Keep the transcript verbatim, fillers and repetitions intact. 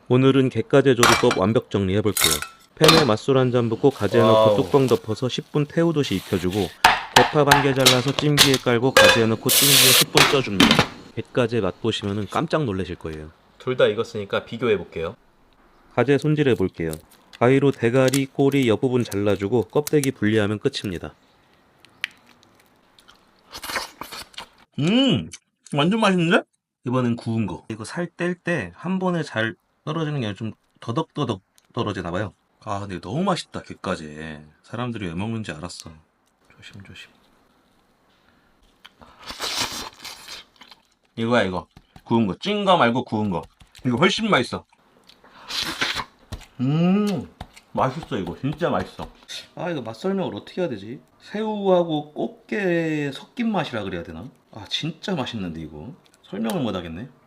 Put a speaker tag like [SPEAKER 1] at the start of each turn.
[SPEAKER 1] 오늘은 게까지 조리법 완벽 정리해볼게요. 팬에 맛술 한 잔 붓고 가지에 넣고
[SPEAKER 2] 와우.
[SPEAKER 1] 뚜껑 덮어서 십 분 태우듯이 익혀주고 대파 반 개 잘라서 찜기에 깔고 가지에 넣고 찜기에 십 분 쪄줍니다. 게까지 맛보시면 깜짝 놀라실 거예요.
[SPEAKER 2] 둘 다 익었으니까 비교해 볼게요.
[SPEAKER 1] 가재 손질해 볼게요. 가위로 대가리, 꼬리 옆부분 잘라주고 껍데기 분리하면 끝입니다.
[SPEAKER 2] 음, 완전 맛있는데?
[SPEAKER 1] 이번엔 구운 거. 이거 살 뗄 때 한 번에 잘 떨어지는 게 아니라 좀 더덕더덕 떨어지나 봐요. 아 근데 너무 맛있다 게까지. 사람들이 왜 먹는지 알았어. 조심조심.
[SPEAKER 2] 이거야 이거. 구운 거. 찐 거 말고 구운 거. 이거 훨씬 맛있어. 음, 맛있어 이거. 진짜 맛있어.
[SPEAKER 1] 아 이거 맛 설명을 어떻게 해야 되지? 새우하고 꽃게 섞인 맛이라 그래야 되나? 아 진짜 맛있는데 이거 설명을 못 하겠네.